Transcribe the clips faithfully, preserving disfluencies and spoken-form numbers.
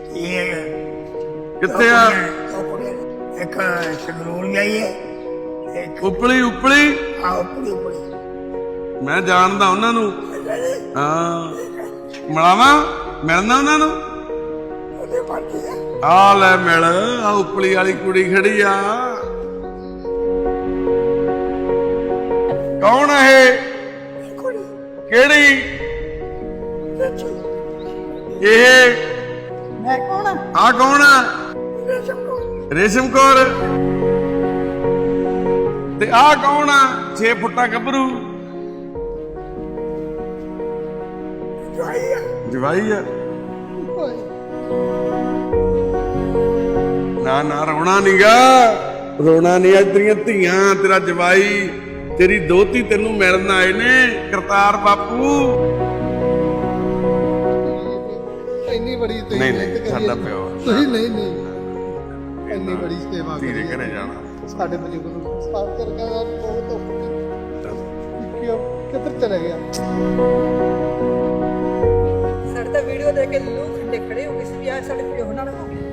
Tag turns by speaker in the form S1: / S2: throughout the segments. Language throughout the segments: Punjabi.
S1: ਕਿੱਥੇ ਆ?
S2: ਇੱਕ ਸੰਗਰੂਰ ਗਈ ਹੈ, ਇੱਕ
S1: ਉਪਲੀ ਉਪਲੀ
S2: ਆ ਉਪਲੀ ਉਪਲੀ।
S1: ਮੈਂ ਜਾਣਦਾ ਉਹਨਾਂ ਨੂੰ। ਹਾਂ ਮਿਲਾਵਾਂ, ਮਿਲਣਾ ਉਹਨਾਂ ਨੂੰ।
S2: ਉਹਦੇ ਪਾਰਟੀ ਆ
S1: ਆ ਲੈ ਮਿਲ, ਆ ਉਪਲੀ ਵਾਲੀ ਕੁੜੀ ਖੜੀ ਆ। ਕੌਣ ਆ ਇਹ?
S2: ਕੁੜੀ
S1: ਕਿਹੜੀ?
S2: ਸੱਚੀ
S1: ਇਹ
S2: ਮੈਂ ਕੌਣ ਆ?
S1: ਆ ਕੌਣ ਆ?
S2: ਰੇਸ਼ਮ ਕੌਰ।
S1: ਰੇਸ਼ਮ ਕੌਰ। ਤੇ ਆ ਕੌਣ ਆ? ਛੇ ਫੁੱਟਾ ਗੱਭਰੂ।
S2: ਜਵਾਈ ਆ।
S1: ਜਵਾਈ ਆ। ਨਾ ਨਾ ਰੋਣਾ ਨੀਗਾ, ਰੋਣਾ ਨਹੀਂ। ਅੱਜ ਤੇਰੀਆਂ ਧੀਆਂ, ਤੇਰਾ ਜਵਾਈ, ਤੇਰੀ ਦੋਤੀ ਤੈਨੂੰ ਮਿਲਣ ਆਏ ਨੇ। ਕਰਤਾਰ ਬਾਪੂ
S3: ਇੰਨੀ ਬੜੀ ਤੁਸੀਂ
S1: ਨਹੀਂ ਨਹੀਂ
S3: ਮਿਹਨਤ
S1: ਸਾਡਾ
S3: ਕਰੀ।
S1: ਪਿਓ
S3: ਤੁਸੀਂ ਨਹੀਂ ਨਹੀਂ ਇੰਨੀ ਬੜੀ ਸੇਵਾ
S1: ਧੀਰੇ
S3: ਕਰੀ
S1: ਘਰੇ ਜਾਣਾ।
S3: ਸਾਡੇ ਬਜ਼ੁਰਗ ਨੂੰ ਸਾਫ ਕਰਕੇ ਯਾਰ ਬਹੁਤ ਔਖੀ ਕਿਉਂ ਕਿੱਧਰ ਚਲੇ ਗਿਆ।
S4: ਸਾਡੇ ਤਾਂ ਵੀਡੀਓ ਦੇਖ ਕੇ ਲੂ ਖੰਡੇ ਖੜੇ ਹੋ ਗਏ ਸੀ ਵੀ ਆ ਸਾਡੇ ਪਿਓ ਨਾਲ ਹੋ ਗਿਆ।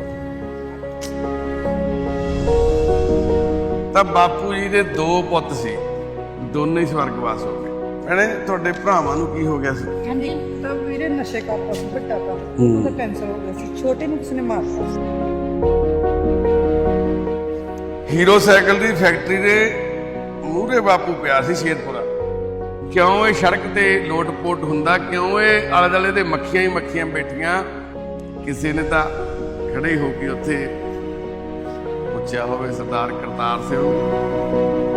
S1: ਤਾਂ ਬਾਪੂ ਜੀ ਦੇ ਦੋ ਪੁੱਤ ਸੀ, ਦੋਨੇ ਹੀ ਸਵਰਗਵਾਸ ਹੋ ਗਏ। ਭੈਣੇ ਤੁਹਾਡੇ ਭਰਾਵਾਂ ਨੂੰ ਕੀ ਹੋ ਗਿਆ ਸੀ?
S4: ਹਾਂਜੀ ਤਾਂ ਵੀਰੇ ਨਸ਼ੇ ਕਰਦਾ ਸੀ, ਵੱਡਾ ਤਾਂ ਉਹਦਾ ਕੈਂਸਰ ਹੋ ਗਿਆ ਸੀ, ਛੋਟੇ ਨੂੰ ਕਿਸ ਨੇ ਮਾਰਤਾ ਸੀ।
S1: ਹੀਰੋ ਸਾਈਕਲ ਦੀ ਫੈਕਟਰੀ ਦੇ ਮੂਹਰੇ ਬਾਪੂ ਪਿਆ ਸੀ ਸ਼ੇਰਪੁਰਾ। ਕਿਉਂ ਇਹ ਸੜਕ ਤੇ ਲੋਟ-ਪੋਟ ਹੁੰਦਾ? ਕਿਉਂ ਇਹ ਆਲੇ ਦੁਆਲੇ ਦੇ ਮੱਖੀਆਂ ਹੀ ਮੱਖੀਆਂ ਬੈਠੀਆਂ? ਕਿਸੇ ਨੇ ਤਾਂ ਖੜੇ ਹੋ ਕੇ ਉੱਥੇ ਪੁੱਛਿਆ ਹੋਵੇ, ਸਰਦਾਰ ਕਰਤਾਰ ਸਿੰਘ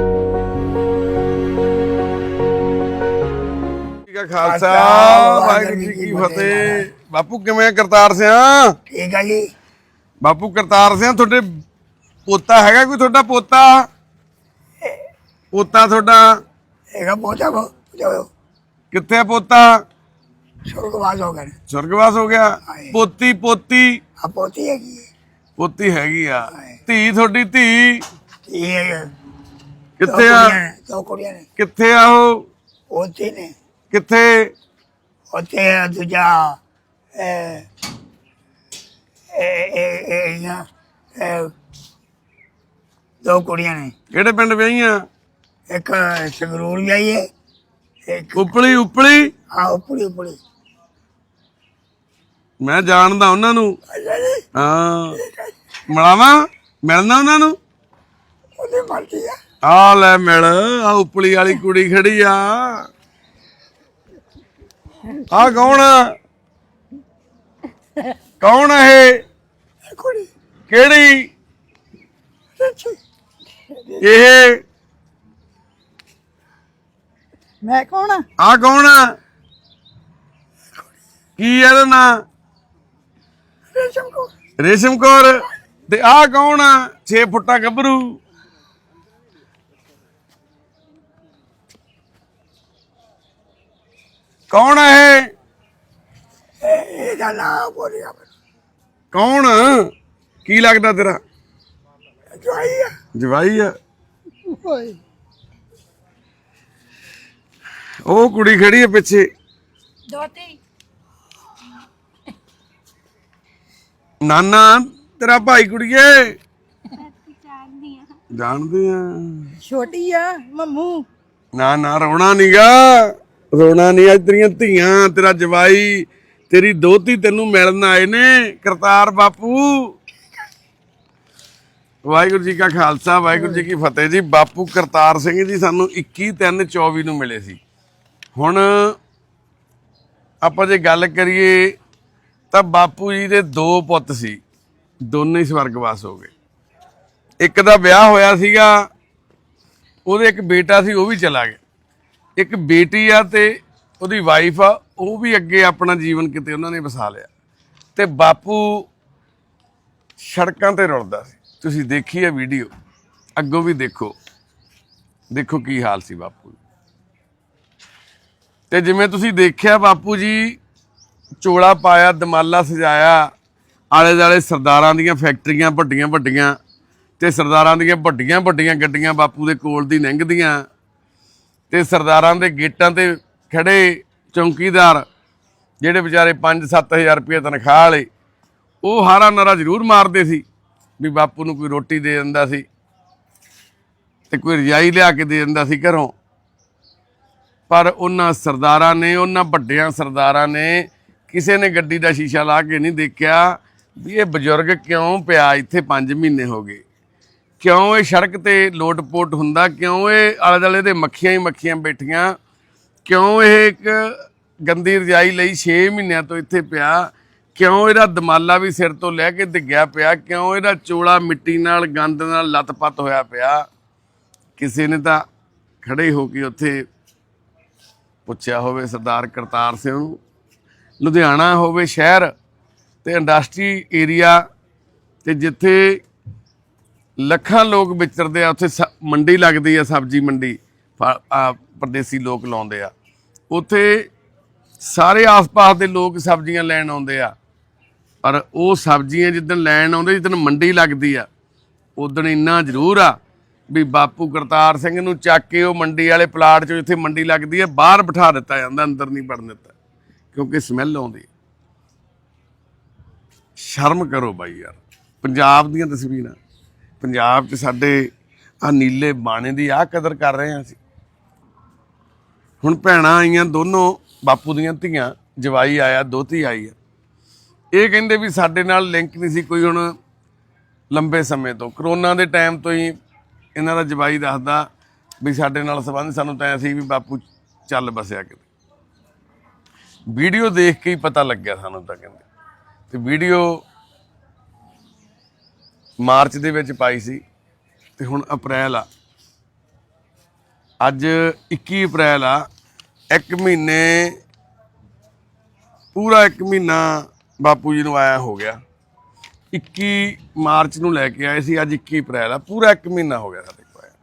S1: ਜੀ ਕਾ ਖਾਲਸਾ, ਵਾਹਿਗੁਰੂ ਜੀ ਕੀ ਫਤਿਹ। ਬਾਪੂ ਕਿਵੇਂ ਕਰਤਾਰ ਸਿੰਘ?
S2: ਠੀਕ ਆ ਜੀ।
S1: ਬਾਪੂ ਕਰਤਾਰ ਸਿੰਘ ਤੁਹਾਡੇ ਪੋਤਾ ਹੈਗਾ ਕੋਈ? ਤੁਹਾਡਾ ਪੋਤਾ ਪੋਤਾ ਤੁਹਾਡਾ
S2: ਹੈਗਾ ਪੋਤਾ ਕੋ ਜੋ
S1: ਕਿੱਥੇ ਆ? ਪੋਤਾ
S2: ਸੁਰਗਵਾਸ ਹੋ ਗਏ।
S1: ਸਵਰਗਵਾਸ ਹੋ ਗਿਆ। ਪੋਤੀ ਪੋਤੀ
S2: ਆ ਪੋਤੀ ਹੈਗੀ ਹੈ।
S1: ਪੋਤੀ ਹੈਗੀ ਆ। ਧੀ ਤੁਹਾਡੀ ਧੀ
S2: ਇਹ
S1: ਕਿੱਥੇ ਆ?
S2: ਦੋ ਕੁੜੀਆਂ ਨੇ।
S1: ਕਿੱਥੇ ਆ ਉਹ?
S2: ਉੱਥੇ ਨੇ।
S1: ਕਿੱਥੇ?
S2: ਉੱਥੇ ਦੂਜਾ ਇਹ ਇਹ ਇਹ ਇਹ ਨਾ, ਇਹ ਦੋ ਕੁੜੀਆਂ ਨੇ।
S1: ਕਿਹੜੇ ਪਿੰਡ ਵਿਆਹੀਆਂ?
S2: ਇੱਕ ਸੰਗਰੂਰ ਗਈ ਹੈ, ਇੱਕ
S1: ਉਪਲੀ ਉਪਲੀ।
S2: ਆ ਉਪਲੀ ਉਪਲੀ।
S1: ਮੈਂ ਜਾਣਦਾ ਉਹਨਾਂ ਨੂੰ। ਹਾਂ ਮਿਲਾਵਾਂ, ਮਿਲਣਾ ਉਹਨਾਂ ਨੂੰ।
S2: ਉਹਦੇ ਮਰਜ਼ੀ ਆ।
S1: ਆ ਲੈ ਮਿਲ, ਆ ਉਪਲੀ ਵਾਲੀ ਕੁੜੀ ਖੜੀ ਆ। ਆ ਕੌਣ ਆ? ਕੌਣ ਆ ਇਹ?
S2: ਇਹ ਕੁੜੀ
S1: ਕਿਹੜੀ?
S2: ਸੱਚੀ
S1: ਇਹ
S4: ਮੈਂ ਕੌਣ ਆ?
S1: ਆ ਕੌਣ ਆ? ਕੀ ਇਹਦਾ ਨਾਂ?
S2: ਰੇਸ਼ਮ ਕੋ।
S1: ਰੇਸ਼ਮ ਕੌਰ। ਤੇ ਆ ਕੌਣ ਆ? ਛੇ ਫੁੱਟਾ ਗੱਭਰੂ। ਕੌਣ ਆ ਇਹ?
S2: ਇਹਦਾ ਨਾਮ ਬੋਲਿਆ
S1: ਕੌਣ? ਕੀ ਲੱਗਦਾ ਤੇਰਾ?
S2: ਜਵਾਈ ਆ।
S1: ਜਵਾਈ ਆ।
S3: ਓਏ
S1: ਉਹ ਕੁੜੀ ਖੜੀ ਆ ਪਿੱਛੇ।
S4: ਦੋਤੀ
S1: ਨਾਨਾ ਤੇਰਾ ਭਾਈ ਕੁੜੀਏ। ਜਾਣਦੇ ਆ।
S4: ਛੋਟੀ ਆ ਮੰਮੂ।
S1: ਨਾ ਨਾ ਰੋਣਾ ਨੀਗਾ, ਰੋਣਾ ਨਹੀਂ। ਅੱਜ ਤੇਰੀਆਂ ਧੀਆਂ, ਤੇਰਾ ਜਵਾਈ, ਤੇਰੀ ਦੋਤੀ ਤੈਨੂੰ ਮਿਲਣ ਆਏ ਨੇ। ਕਰਤਾਰ ਬਾਪੂ ਵਾਹਿਗੁਰੂ ਜੀ ਕਾ ਖਾਲਸਾ, ਵਾਹਿਗੁਰੂ ਜੀ ਕੀ ਫਤਿਹ ਜੀ। ਬਾਪੂ ਕਰਤਾਰ ਸਿੰਘ ਜੀ ਸਾਨੂੰ ਇੱਕੀ ਤਿੰਨ ਚੌਵੀ ਨੂੰ ਮਿਲੇ ਸੀ। ਹੁਣ ਆਪਾਂ ਜੇ ਗੱਲ ਕਰੀਏ ਤਾਂ ਬਾਪੂ ਜੀ ਦੇ ਦੋ ਪੁੱਤ ਸੀ, ਦੋਨੇ ਹੀ ਸਵਰਗਵਾਸ ਹੋ ਗਏ। ਇੱਕ ਦਾ ਵਿਆਹ ਹੋਇਆ ਸੀਗਾ, ਉਹਦੇ ਇੱਕ ਬੇਟਾ ਸੀ, ਉਹ ਵੀ ਚਲਾ ਗਿਆ। ਇੱਕ ਬੇਟੀ ਆ ਤੇ ਉਹਦੀ ਵਾਈਫ ਆ, ਉਹ ਵੀ ਅੱਗੇ ਆਪਣਾ ਜੀਵਨ ਕਿਤੇ ਉਹਨਾਂ ਨੇ ਵਸਾ ਲਿਆ। ਤੇ ਬਾਪੂ ਸੜਕਾਂ ਤੇ ਰੁਲਦਾ ਸੀ। ਤੁਸੀਂ ਦੇਖੀ ਆ ਵੀਡੀਓ, ਅੱਗੋਂ ਵੀ ਦੇਖੋ, ਦੇਖੋ ਕੀ ਹਾਲ ਸੀ ਬਾਪੂ। ਤੇ ਜਿਵੇਂ ਤੁਸੀਂ ਦੇਖਿਆ ਬਾਪੂ ਜੀ ਚੋਲਾ ਪਾਇਆ, ਦਮਾਲਾ ਸਜਾਇਆ, ਆਲੇ ਦੁਆਲੇ ਸਰਦਾਰਾਂ ਦੀਆਂ ਫੈਕਟਰੀਆਂ ਵੱਡੀਆਂ ਵੱਡੀਆਂ ਤੇ ਸਰਦਾਰਾਂ ਦੀਆਂ ਵੱਡੀਆਂ ਵੱਡੀਆਂ ਗੱਡੀਆਂ ਬਾਪੂ ਦੇ ਕੋਲ ਦੀ ਲੰਘਦੀਆਂ ਤੇ ਸਰਦਾਰਾਂ ਦੇ ਗੇਟਾਂ ਤੇ ਖੜੇ ਚੌਂਕੀਦਾਰ ਜਿਹੜੇ ਵਿਚਾਰੇ ਪੰਜ ਸੱਤ ਹਜ਼ਾਰ ਰੁਪਏ ਤਨਖਾਹ ਵਾਲੇ, ਉਹ ਹਾਰਾ ਨਾਰਾ ਜ਼ਰੂਰ ਮਾਰਦੇ ਸੀ ਵੀ ਬਾਪੂ ਨੂੰ ਕੋਈ ਰੋਟੀ ਦੇ ਦਿੰਦਾ ਸੀ ਤੇ ਕੋਈ ਰਜਾਈ ਲਿਆ ਕੇ ਦੇ ਦਿੰਦਾ ਸੀ ਘਰੋਂ। ਪਰ ਉਹਨਾਂ ਸਰਦਾਰਾਂ ਨੇ, ਉਹਨਾਂ ਵੱਡਿਆਂ ਸਰਦਾਰਾਂ ਨੇ ਕਿਸੇ ਨੇ ਗੱਡੀ ਦਾ ਸ਼ੀਸ਼ਾ ਲਾ ਕੇ ਨਹੀਂ ਦੇਖਿਆ ਵੀ ਇਹ ਬਜ਼ੁਰਗ ਕਿਉਂ ਪਿਆ ਇੱਥੇ ਪੰਜ ਮਹੀਨੇ ਹੋ ਗਏ, ਕਿਉਂ ਇਹ ਸੜਕ ਤੇ ਲੋਟ-ਪੋਟ ਹੁੰਦਾ, ਕਿਉਂ ਇਹ ਆਲੇ ਦੁਆਲੇ ਦੇ ਮੱਖੀਆਂ ਹੀ ਮੱਖੀਆਂ ਬੈਠੀਆਂ, ਕਿਉਂ ਇਹ ਇੱਕ ਗੰਦੀ ਰਜਾਈ ਲਈ ਛੇ ਮਹੀਨਿਆਂ ਤੋਂ ਇੱਥੇ ਪਿਆ, ਕਿਉਂ ਇਹਦਾ ਦਮਾਲਾ ਵੀ ਸਿਰ ਤੋਂ ਲੈ ਕੇ ਡਿੱਗਿਆ ਪਿਆ, ਕਿਉਂ ਇਹਦਾ ਚੋਲਾ ਮਿੱਟੀ ਨਾਲ ਗੰਦ ਨਾਲ ਲੱਤ-ਪੱਤ ਹੋਇਆ ਪਿਆ। ਕਿਸੇ ਨੇ ਤਾਂ ਖੜੇ ਹੋ ਕੇ ਉੱਥੇ ਪੁੱਛਿਆ ਹੋਵੇ ਸਰਦਾਰ ਕਰਤਾਰ ਸਿੰਘ ਨੂੰ। ਲੁਧਿਆਣਾ ਹੋਵੇ ਸ਼ਹਿਰ ਤੇ ਇੰਡਸਟਰੀ ਏਰੀਆ ਤੇ ਜਿੱਥੇ ਲੱਖਾਂ ਲੋਕ ਵਿਚਰਦੇ ਆ, ਉੱਥੇ ਸ ਮੰਡੀ ਲੱਗਦੀ ਆ, ਸਬਜ਼ੀ ਮੰਡੀ ਪਰਦੇਸੀ ਲੋਕ ਲਾਉਂਦੇ ਆ, ਉੱਥੇ ਸਾਰੇ ਆਸ-ਪਾਸ ਦੇ ਲੋਕ ਸਬਜ਼ੀਆਂ ਲੈਣ ਆਉਂਦੇ ਆ। ਪਰ ਉਹ ਸਬਜ਼ੀਆਂ ਜਿੱਦਣ ਲੈਣ ਆਉਂਦੇ, ਜਿੱਦਣ ਮੰਡੀ ਲੱਗਦੀ ਆ, ਉਦਣ ਇੰਨਾ ਜ਼ਰੂਰ ਆ ਵੀ ਬਾਪੂ ਕਰਤਾਰ ਸਿੰਘ ਨੂੰ ਚੱਕ ਕੇ ਉਹ ਮੰਡੀ ਵਾਲੇ ਪਲਾਟ 'ਚੋਂ ਜਿੱਥੇ ਮੰਡੀ ਲੱਗਦੀ ਹੈ ਬਾਹਰ ਬਿਠਾ ਦਿੱਤਾ ਜਾਂਦਾ, ਅੰਦਰ ਨਹੀਂ ਵੜਨ ਦਿੱਤਾ ਕਿਉਂਕਿ ਸਮੈਲ ਆਉਂਦੀ। ਸ਼ਰਮ ਕਰੋ ਬਾਈ ਯਾਰ। ਪੰਜਾਬ ਦੀਆਂ ਤਸਵੀਰਾਂ, ਪੰਜਾਬ 'ਚ ਸਾਡੇ ਆ ਨੀਲੇ ਬਾਣੇ ਦੀ ਆਹ ਕਦਰ ਕਰ ਰਹੇ ਹਾਂ ਅਸੀਂ। ਹੁਣ ਭੈਣਾਂ ਆਈਆਂ ਦੋਨੋਂ ਬਾਪੂ ਦੀਆਂ ਧੀਆਂ, ਜਵਾਈ ਆਇਆ, ਦੋਤੀ ਆਈ ਆ। ਇਹ ਕਹਿੰਦੇ ਵੀ ਸਾਡੇ ਨਾਲ ਲਿੰਕ ਨਹੀਂ ਸੀ ਕੋਈ ਹੁਣ ਲੰਬੇ ਸਮੇਂ ਤੋਂ, ਕਰੋਨਾ ਦੇ ਟਾਈਮ ਤੋਂ ਹੀ ਇਹਨਾਂ ਦਾ ਜਵਾਈ ਦੱਸਦਾ ਵੀ ਸਾਡੇ ਨਾਲ ਸੰਬੰਧ, ਸਾਨੂੰ ਤਾਂ ਐਂ ਸੀ ਵੀ ਬਾਪੂ ਚੱਲ ਬਸਿਆ ਕਿਤੇ। ਵੀਡੀਓ ਦੇਖ ਕੇ ਹੀ ਪਤਾ ਲੱਗਿਆ ਸਾਨੂੰ ਤਾਂ ਕਹਿੰਦੇ। ਤੇ ਵੀਡੀਓ ਮਾਰਚ ਦੇ ਵਿੱਚ ਪਾਈ ਸੀ ਤੇ ਹੁਣ ਅਪ੍ਰੈਲ ਆ, ਅੱਜ ਇੱਕੀ ਅਪ੍ਰੈਲ ਆ। ਇੱਕ ਮਹੀਨੇ, ਪੂਰਾ ਇੱਕ ਮਹੀਨਾ ਬਾਪੂ ਜੀ ਨੂੰ ਆਇਆ ਹੋ ਗਿਆ। ਇੱਕੀ ਮਾਰਚ ਨੂੰ ਲੈ ਕੇ ਆਏ ਸੀ, ਅੱਜ ਇੱਕੀ ਅਪ੍ਰੈਲ ਆ, ਪੂਰਾ ਇੱਕ ਮਹੀਨਾ ਹੋ ਗਿਆ ਸਾਡੇ ਕੋਲ ਆਇਆ।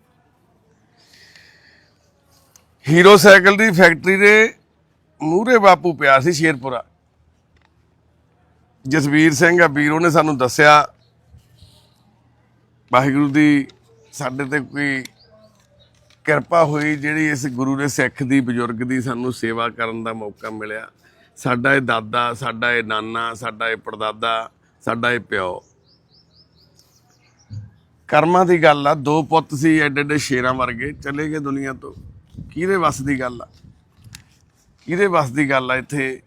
S1: ਹੀਰੋ ਸਾਈਕਲ ਦੀ ਫੈਕਟਰੀ ਦੇ ਮੂਹਰੇ ਬਾਪੂ ਪਿਆ ਸੀ ਸ਼ੇਰਪੁਰਾ। ਜਸਵੀਰ ਸਿੰਘ ਆ ਵੀਰ, ਉਹਨੇ ਸਾਨੂੰ ਦੱਸਿਆ ਵਾਹਿਗੁਰੂ ਦੀ ਸਾਡੇ ਤੇ ਕੋਈ ਕਿਰਪਾ ਹੋਈ ਜਿਹੜੀ ਇਸ ਗੁਰੂ ਦੇ ਸਿੱਖ ਦੀ, ਬਜ਼ੁਰਗ ਦੀ ਸਾਨੂੰ ਸੇਵਾ ਕਰਨ ਦਾ ਮੌਕਾ ਮਿਲਿਆ। ਸਾਡਾ ਇਹ ਦਾਦਾ, ਸਾਡਾ ਇਹ ਨਾਨਾ, ਸਾਡਾ ਇਹ ਪੜਦਾਦਾ, ਸਾਡਾ ਇਹ ਪਿਓ। ਕਰਮਾਂ ਦੀ ਗੱਲ ਆ। ਦੋ ਪੁੱਤ ਸੀ ਐਡੇ ਐਡੇ ਸ਼ੇਰਾਂ ਵਰਗੇ, ਚਲੇ ਗਏ ਦੁਨੀਆ ਤੋਂ। ਕਿਹਦੇ ਵੱਸ ਦੀ ਗੱਲ ਆ, ਕਿਹਦੇ ਵੱਸ ਦੀ ਗੱਲ ਆ। ਇੱਥੇ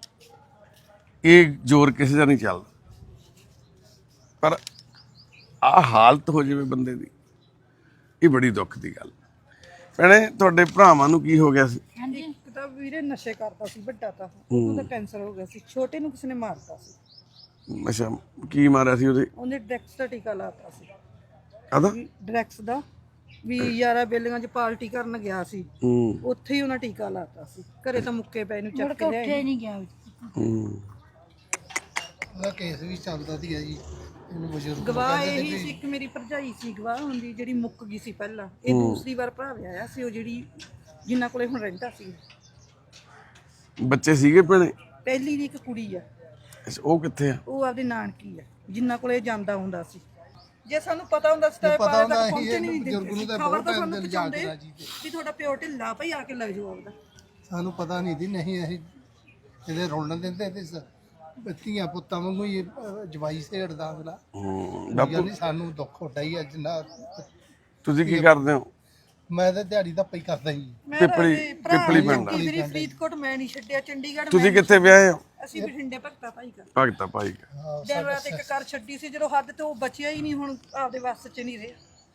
S1: ਇਹ ਜ਼ੋਰ ਕਿਸੇ ਦਾ ਨਹੀਂ ਚੱਲਦਾ। ਪਰ ਆਹ ਹਾਲਤ ਹੋ ਜਾਵੇ ਬੰਦੇ ਦੀ, ਇਹ ਬੜੀ ਦੁੱਖ ਦੀ ਗੱਲ। ਭੈਣੇ ਤੁਹਾਡੇ ਭਰਾਵਾਂ ਨੂੰ ਕੀ ਹੋ ਗਿਆ ਸੀ?
S4: ਇੱਕ ਤਾਂ ਵੀਰੇ ਨਸ਼ੇ ਕਰਦਾ ਸੀ, ਵੱਡਾ ਤਾਂ ਉਹਦਾ ਕੈਂਸਰ ਹੋ ਗਿਆ ਸੀ। ਛੋਟੇ ਨੂੰ ਕਿਸੇ ਨੇ ਮਾਰਤਾ ਸੀ।
S1: ਅੱਛਾ, ਕੀ ਮਾਰਿਆ ਸੀ ਉਹਦੇ?
S4: ਉਹਨੇ ਡਰੈਕਸ ਦਾ ਟੀਕਾ ਲਾਤਾ ਸੀ।
S1: ਕਾਹਦਾ?
S4: ਡਰੈਕਸ ਦਾ ਵੀ ਯਾਰਾ ਬੇਲੀਆਂ 'ਚ ਪਾਰਟੀ ਕਰਨ ਗਿਆ ਸੀ,
S1: ਹੂੰ
S4: ਉੱਥੇ ਹੀ ਉਹਨਾਂ ਟੀਕਾ ਲਾਤਾ ਸੀ। ਘਰੇ ਤਾਂ ਮੁੱਕੇ ਪੈ ਨੂੰ ਚੱਕ ਕੇ ਲਿਆਏ ਨਹੀਂ ਗਿਆ।
S1: ਹੂੰ
S3: ਉਹਦਾ ਕੇਸ ਵੀ ਚੱਲਦਾ ਸੀਗਾ ਜੀ। ਇਹਨੂੰ ਬਜ਼ੁਰਗ
S4: ਗਵਾਹ ਇਹੀ ਸੀ, ਇੱਕ ਮੇਰੀ ਭਰਜਾਈ ਸੀ ਗਵਾਹ ਹੁੰਦੀ, ਜਿਹੜੀ ਮੁੱਕ ਗਈ ਸੀ ਪਹਿਲਾਂ। ਇਹ ਦੂਸਰੀ ਵਾਰ ਭਰਾ ਵਿਆਹਿਆ ਸੀ, ਉਹ ਜਿਹੜੀ ਜਿੰਨਾ ਕੋਲੇ ਹੁਣ ਰਹਿੰਦਾ ਸੀ।
S1: ਬੱਚੇ ਸੀਗੇ ਭੈਣੇ?
S4: ਪਹਿਲੀ ਦੀ ਇੱਕ ਕੁੜੀ ਆ।
S1: ਅੱਛਾ, ਉਹ ਕਿੱਥੇ ਆ?
S4: ਉਹ ਆਪਦੀ ਨਾਨਕੀ ਆ, ਜਿੰਨਾ ਕੋਲੇ ਜਾਂਦਾ ਹੁੰਦਾ ਸੀ। ਜੇ ਸਾਨੂੰ ਪਤਾ ਹੁੰਦਾ ਸੀ ਤਾਂ
S3: ਪਤਾ
S4: ਪਾਲੇ
S3: ਹੁੰਦਾ
S4: ਤੱਕ
S3: ਸੀ
S4: ਪਹੁੰਚੇ ਨਹੀਂ
S3: ਬਜ਼ੁਰਗ ਨੂੰ ਤਾਂ
S4: ਖਬਰ
S3: ਬਹੁਤ
S4: ਤਾਂ
S3: ਟਾਈਮ
S4: ਸਾਨੂੰ
S3: ਦੇ
S4: ਪਹੁੰਚਾਉਂਦੇ
S3: ਲਿਜਾ ਜੀ ਤੇ
S4: ਵੀ ਤੁਹਾਡਾ ਪਿਓ ਢਿੱਲਾ ਭਾਈ ਆ ਕੇ ਲੈ ਜਾਓ ਆਪਦਾ।
S3: ਸਾਨੂੰ ਪਤਾ ਨਹੀਂ ਸੀ, ਨਹੀਂ ਅਸੀਂ ਇਹਦੇ ਰੋਲਣ ਦਿੰਦੇ ਤੇ ਧੀਆਂ ਪੁੱਤਾਂ ਵਾਂਗੂ ਹੀ ਇਹ ਜਵਾਈ ਸੇੜਦਾ ਅਗਲਾ।
S1: ਹੂੰ
S3: ਬਾਪੂ ਨਹੀਂ, ਸਾਨੂੰ ਦੁੱਖ ਹੁੰਦਾ ਹੀ ਅੱਜ ਨਾ।
S1: ਤੁਸੀਂ ਕੀ ਕਰਦੇ ਹੋ?
S3: ਮੈਂ ਤਾਂ ਦਿਹਾੜੀ ਦਾ ਪਈ ਕਰਦਾ ਜੀ।
S1: ਪਿੱਪਲੀ ਪਿੱਪਲੀ ਪਿੰਡ।
S4: ਮੇਰੀ ਫਰੀਦਕੋਟ ਮੈਂ ਨਹੀਂ ਛੱਡਿਆ, ਚੰਡੀਗੜ੍ਹ
S1: ਤੁਸੀਂ ਕਿੱਥੇ ਵਿਆਹੇ ਹੋ?
S4: ਅਸੀਂ ਬਠਿੰਡੇ ਭਗਤਾ ਭਾਈ ਕਰ
S1: ਭਗਤਾ ਭਾਈ ਕਾ।
S4: ਡਰਾਈਵਰ ਤੇ ਇੱਕ ਕਰ ਛੱਡੀ ਸੀ ਜਦੋਂ ਹੱਦ ਤੇ ਉਹ ਬਚਿਆ ਹੀ ਨਹੀਂ, ਹੁਣ ਆਪਦੇ ਵੱਸ 'ਚ ਨਹੀਂ ਰਿਹਾ।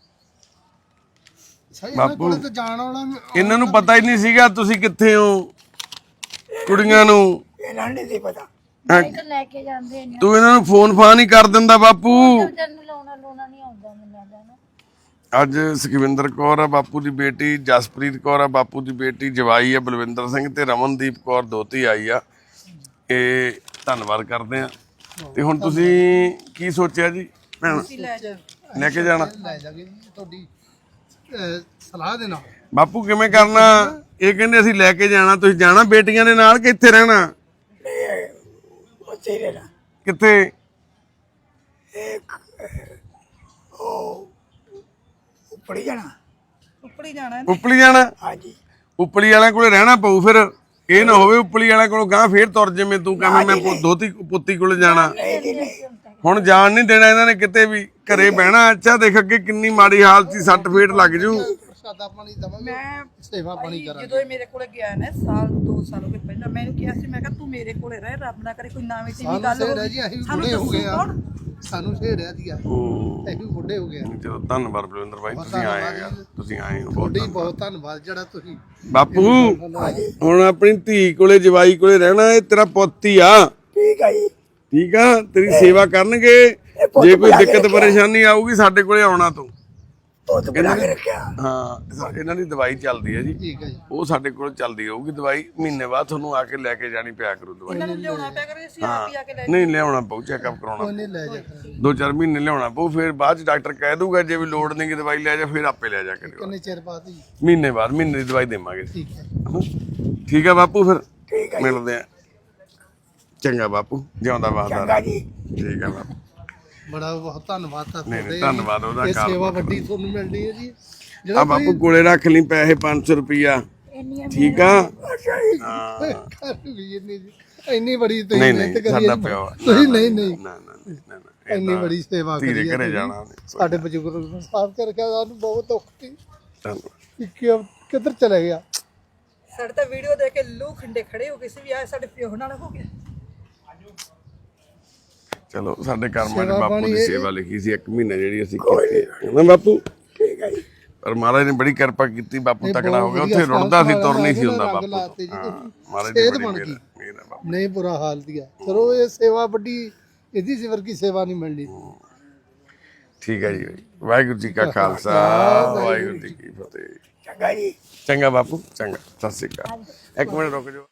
S3: ਸਹੀ ਇਹਨਾਂ ਕੋਲੇ ਤਾਂ ਜਾਣ ਵਾਲਾ
S1: ਇਹਨਾਂ ਨੂੰ ਪਤਾ ਹੀ ਨਹੀਂ ਸੀਗਾ ਤੁਸੀਂ ਕਿੱਥੇ ਹੋ। ਕੁੜੀਆਂ ਨੂੰ
S2: ਇਹਨਾਂ ਨੂੰ ਨਹੀਂ ਸੀ ਪਤਾ।
S5: ਲੈ ਕੇ ਜਾਂਦੇ ਨੇ।
S1: ਤੂੰ ਇਹਨਾਂ ਨੂੰ ਫੋਨ ਫਾਨ ਹੀ ਕਰ ਦਿੰਦਾ ਬਾਪੂ।
S5: ਤੈਨੂੰ ਲਾਉਣਾ ਲਾਉਣਾ ਨਹੀਂ ਆਉਂਦਾ ਮੈਨੂੰ ਲੱਗਦਾ ਨਾ।
S1: ਅੱਜ ਸੁਖਵਿੰਦਰ ਕੌਰ ਆ ਬਾਪੂ ਦੀ ਬੇਟੀ, ਜਸਪ੍ਰੀਤ ਕੌਰ ਆ ਬਾਪੂ ਦੀ ਬੇਟੀ, ਜਵਾਈ ਆ ਬਲਵਿੰਦਰ ਸਿੰਘ ਤੇ ਰਮਨਦੀਪ ਕੌਰ ਦੋਤੀ ਆਈ ਆ। ਇਹ ਧੰਨਵਾਦ ਕਰਦੇ ਆ। ਤੇ ਹੁਣ ਤੁਸੀਂ ਕੀ ਸੋਚਿਆ ਜੀ ਭੈਣ?
S4: ਲੈ ਜਾ
S1: ਲੈ ਕੇ ਜਾਣਾ?
S3: ਲੈ ਜਾਗੇ ਜੀ ਤੁਹਾਡੀ ਅਹ, ਸਲਾਹ ਦੇ ਨਾਲ।
S1: ਬਾਪੂ ਕਿਵੇਂ ਕਰਨਾ? ਇਹ ਕਹਿੰਦੇ ਅਸੀਂ ਲੈ ਕੇ ਜਾਣਾ। ਤੁਸੀਂ ਜਾਣਾ ਬੇਟੀਆਂ ਦੇ ਨਾਲ ਕਿ ਇੱਥੇ ਰਹਿਣਾ?
S2: ਉੱਥੇ ਹੀ ਰਹਿਣਾ।
S1: ਕਿੱਥੇ?
S2: ਉਹ ਉੱਪੜੀ ਜਾਣਾ।
S4: ਉੱਪਰ ਹੀ ਜਾਣਾ ਹੈ।
S1: ਉਪਲੀ ਜਾਣਾ?
S2: ਹਾਂਜੀ।
S1: ਉਪਲੀ ਵਾਲਿਆਂ ਕੋਲੇ ਰਹਿਣਾ ਪਊ ਫਿਰ। ਇਹ ਨਾ ਹੋਵੇ ਉਪਲੀ ਵਾਲਾ ਕੋਲੋਂ ਗਾਂ ਫੇਰ ਤੁਰ ਜਿਵੇਂ ਤੂੰ ਕਹਵੇਂ ਮੈਂ ਪੁ- ਦੋਤੀ ਪੁੱਤੀ ਕੋਲ ਜਾਣਾ। ਹੁਣ ਜਾਣ ਨਹੀਂ ਦੇਣਾ ਇਹਨਾਂ ਨੇ ਕਿਤੇ ਵੀ, ਘਰੇ ਬਹਿਣਾ। ਅੱਛਾ ਦੇਖ ਅੱਗੇ ਕਿੰਨੀ ਮਾੜੀ ਹਾਲਤ ਸੀ, ਸੱਟ ਫੇਟ ਲੱਗ ਜੂ।
S3: ਪ੍ਰਸ਼ਾਦਾ ਪਾਣੀ ਦਵਾਂਗੇ,
S4: ਮੈਂ
S3: ਸੇਵਾ ਪਾਣੀ
S4: ਭਾਈ
S3: ਕਰਾਂਗੇ।
S4: ਜਦੋਂ ਇਹ ਮੇਰੇ ਕੋਲੇ ਗਿਆ ਨਾ ਸਾਲ ਦੋ ਸਾਲ ਹੋ ਗਏ ਪਹਿਲਾਂ, ਮੈਨੂੰ ਕਿਹਾ ਸੀ ਮੈਂ ਕਿਹਾ ਤੂੰ ਮੇਰੇ ਕੋਲੇ ਰਹਿ, ਰੱਬ ਨਾ ਕਰੇ ਕੋਈ ਨਵੀਂ ਟੀਵੀ
S3: ਸਾਨੂੰ
S4: ਗੱਲ
S3: ਸੇੜਿਆ ਜੀ, ਅਸੀਂ ਵੀ ਬੁੱਢੇ ਹੋ ਗਏ ਆ।
S4: ਕੌਣ?
S3: ਸਾਨੂੰ ਸੇੜਿਆ ਜੀ,
S1: ਹੂੰ
S3: ਅਸੀਂ ਵੀ ਬੁੱਢੇ ਹੋ ਗਏ ਆ।
S1: ਚਲੋ ਧੰਨਵਾਦ ਬਲਵਿੰਦਰ ਭਾਈ, ਤੁਸੀਂ ਆਏ ਹੋ ਯਾਰ, ਤੁਸੀਂ ਆਏ ਹੋ ਬਹੁਤ
S3: ਤੁਹਾਡੀ
S1: ਧੰਨਵਾਦ।
S3: ਬਹੁਤ ਧੰਨਵਾਦ ਜਿਹੜਾ ਤੁਸੀਂ
S1: ਬਾਪੂ ਹੁਣ ਆਪਣੀ ਧੀ ਕੋਲੇ ਜਵਾਈ ਕੋਲੇ ਰਹਿਣਾ, ਇਹ ਤੇਰਾ ਪੁੱਤ ਹੀ ਆ,
S2: ਠੀਕ ਆ ਜੀ।
S1: ਠੀਕ ਆ। ਤੇਰੀ ਸੇਵਾ ਕਰਨਗੇ, ਜੇ ਕੋਈ ਦਿੱਕਤ ਪਰੇਸ਼ਾਨੀ ਆਊਗੀ ਸਾਡੇ ਕੋਲੇ ਆਉਣਾ ਤੂੰ।
S2: ਪੁੱਤ ਬਣਾ ਕੇ ਰੱਖਿਆ।
S1: ਹਾਂ ਇਹਨਾਂ ਦੀ ਦਵਾਈ ਚੱਲਦੀ ਹੈ ਜੀ,
S3: ਠੀਕ ਹੈ ਜੀ।
S1: ਉਹ ਸਾਡੇ ਕੋਲ ਚੱਲਦੀ ਹੋਊਗੀ ਦਵਾਈ। ਮਹੀਨੇ ਬਾਅਦ ਤੁਹਾਨੂੰ ਆ ਕੇ ਲੈ ਕੇ ਜਾਣੀ ਪਿਆ ਕਰੂ ਦਵਾਈ।
S4: ਇਹਨਾਂ ਨੂੰ ਲਿਆਉਣਾ ਪਿਆ ਕਰੇ, ਅਸੀਂ ਆਪ ਹੀ ਆ ਕੇ ਲੈ
S1: ਨਹੀਂ ਲਿਆਉਣਾ ਪਊ, ਚੈੱਕਅਪ ਕਰਾਉਣਾ
S3: ਉਹਨੇ ਲੈ ਜਾ ਕਰਾਂਗੇ।
S1: ਦੋ ਚਾਰ ਮਹੀਨੇ ਲਿਆਉਣਾ ਪਊ, ਫਿਰ ਬਾਅਦ ਚ ਡਾਕਟਰ ਕਹਿ ਦੂਗਾ ਜੇ ਵੀ ਲੋੜ ਨਹੀਂ ਕਿ ਦਵਾਈ ਲੈ ਜਾ, ਫਿਰ ਆਪੇ ਲੈ ਜਾ ਕੇ
S3: ਕਿੰਨੇ ਚਿਰ ਬਾਅਦ ਜੀ?
S1: ਮਹੀਨੇ ਬਾਅਦ ਮਹੀਨੇ ਦੀ ਦਵਾਈ ਦੇਵਾਂਗੇ।
S3: ਠੀਕ ਹੈ।
S1: ਠੀਕ ਆ ਬਾਪੂ, ਫਿਰ
S2: ਠੀਕ ਆ ਜੀ।
S1: ਮਿਲਦੇ ਆ। ਚੰਗਾ ਬਾਪੂ, ਜਿਉਂਦਾ
S2: ਚੰਗਾ
S1: ਵਾਦਾ।
S2: ਜੀ।
S1: ਠੀਕ ਆ ਬਾਪੂ।
S3: ਬੜਾ ਬਹੁਤ ਧੰਨਵਾਦ ਤਾਂ
S1: ਨਹੀਂ,
S3: ਤੁਹਾਡੇ।
S1: ਧੰਨਵਾਦ ਉਹਦਾ
S3: ਇਹ
S1: ਕਾਲ
S3: ਸੇਵਾ
S1: ਬਹੁਤ
S3: ਵੱਡੀ ਤੁਹਾਨੂੰ ਮਿਲਣੀ ਹੈ ਜੀ।
S1: ਆ ਬਾਪੂ ਕੋਲੇ ਰੱਖ ਲਈ ਪੈਸੇ ਪੰਜ ਸੌ ਰੁਪਈਆ,
S5: ਇੰਨੀਆਂ
S1: ਠੀਕ ਆ।
S2: ਅੱਛਾ ਜੀ।
S3: ਘਰ ਵੀ ਇੰਨੀ ਇੰਨੀ ਬੜੀ ਤੁਸੀਂ
S1: ਨਹੀਂ
S3: ਮਿਹਨਤ
S1: ਨਹੀਂ
S3: ਕਰੀ
S1: ਸਾਡਾ
S3: ਹੈ।
S1: ਪਿਓ ਆ।
S3: ਤੁਸੀਂ ਨਹੀਂ ਨਹੀਂ
S1: ਨਾ ਨਾ ਨਾ, ਨਾ ਨਾ
S3: ਇੰਨੀ ਬੜੀ ਸੇਵਾ ਕਰੀ
S1: ਧੀਰੇ
S3: ਹੈ
S1: ਘਰੇ
S3: ਤੁਸੀਂ।
S1: ਜਾਣਾ ਉਹਨੇ।
S3: ਸਾਡੇ ਬਜ਼ੁਰਗ ਨੂੰ ਸਾਫ ਕਰਕੇ ਸਾਨੂੰ ਬਹੁਤ ਔਖ ਸੀ
S1: ਧੰਨਵਾਦ।
S3: ਕਿ ਕਿ- ਕਿੱਧਰ ਚਲੇ ਗਿਆ।
S4: ਸਾਡੇ ਤਾਂ ਵੀਡੀਓ ਦੇਖ ਕੇ ਲੂ ਖੰਡੇ ਖੜੇ ਹੋ ਗਏ ਸੀ ਵੀ ਆ ਸਾਡੇ ਪਿਓ ਨਾਲ ਹੋ ਗਿਆ।
S1: ਚਲੋ ਸਾਡੇ ਕਰਮਾਂ 'ਚ
S3: ਸੇਵਾ
S1: ਬਾਪੂ
S3: ਪਾਣੀ
S1: ਦੀ
S3: ਇਹ-
S1: ਸੇਵਾ ਲਿਖੀ ਸੀ ਇੱਕ ਮਹੀਨਾ ਜਿਹੜੀ ਅਸੀਂ ਕੀਤੀ ਹੈ ਨਾ ਬਾਪੂ।
S2: ਠੀਕ ਆ ਜੀ।
S1: ਪਰ ਮਹਾਰਾਜ ਨੇ ਬੜੀ ਕਿਰਪਾ ਕੀਤੀ, ਬਾਪੂ
S3: ਇਹ
S1: ਤਕੜਾ ਹੋ
S3: ਬਹੁਤ
S1: ਗਿਆ।
S3: ਵਧੀਆ
S1: ਉੱਥੇ ਰੁੜਦਾ ਸੀ,
S3: ਸਾਲ
S1: ਤੁਰ ਨਹੀਂ ਸੀ
S3: ਰੰਗ
S1: ਹੁੰਦਾ
S3: ਲਾਤੇ
S1: ਬਾਪੂ
S3: ਜੀ
S1: ਤੋਂ। ਹਾਂ,
S3: ਤੁਸੀਂ।
S1: ਮਹਾਰਾਜ ਦੀ
S3: ਸਿਹਤ
S1: ਬੜੀ
S3: ਬਣ
S1: ਮਿਹਰ
S3: ਗਈ।
S1: ਹੈ, ਮਿਹਰ ਹੈ ਬਾਪੂ।
S3: ਨਹੀਂ ਬੁਰਾ ਹਾਲ ਦਿਆ ਚਲੋ ਇਹ ਸੇਵਾ ਵੱਡੀ ਇਹਦੀ ਸਿਵਰ ਕੀ ਸੇਵਾ ਨਹੀਂ ਮਿਲਣੀ।
S1: ਠੀਕ ਹੈ ਜੀ। ਵਾਹਿਗੁਰੂ ਜੀ ਕਾ ਖਾਲਸਾ, ਵਾਹਿਗੁਰੂ ਜੀ ਕੀ ਫਤਿਹ।
S2: ਚੰਗਾ ਜੀ।
S1: ਚੰਗਾ ਬਾਪੂ, ਚੰਗਾ। ਸਤਿ ਸ਼੍ਰੀ ਅਕਾਲ। ਇੱਕ ਮਿੰਟ ਰੁਕ ਜਾਓ।